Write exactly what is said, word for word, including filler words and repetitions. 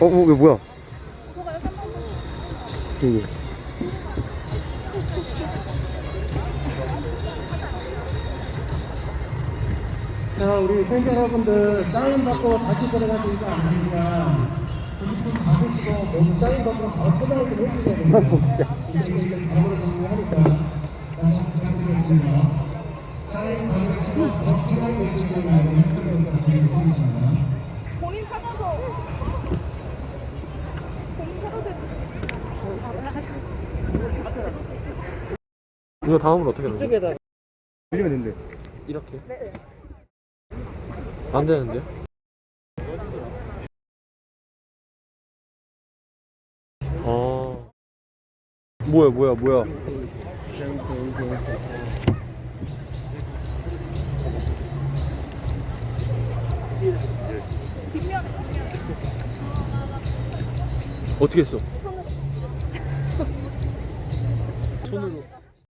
어, 어, 이거 뭐야? 여기. 자, 우리 팬 여러분들 사인 받고 다시 들어가시는 거 아닙니까? 조금 받으시고 모두 사인 받고 바로 포장을 좀 해주셔야 됩니다. 진짜. 이제 이제 바로 정리하니까 다시 부탁드리겠습니다. 사인 받으시고 더 포장을 해주시기 바랍니다. 본인 찾아서 본인 찾아서 하셨어. 이거 다음으로 어떻게 하는 거야? 이쪽에다 올리면 된대. 이렇게? 네. 안 되는데요? 아. 뭐야, 뭐야, 뭐야. 뒷면 어떻게 했어? 손으로. 손으로.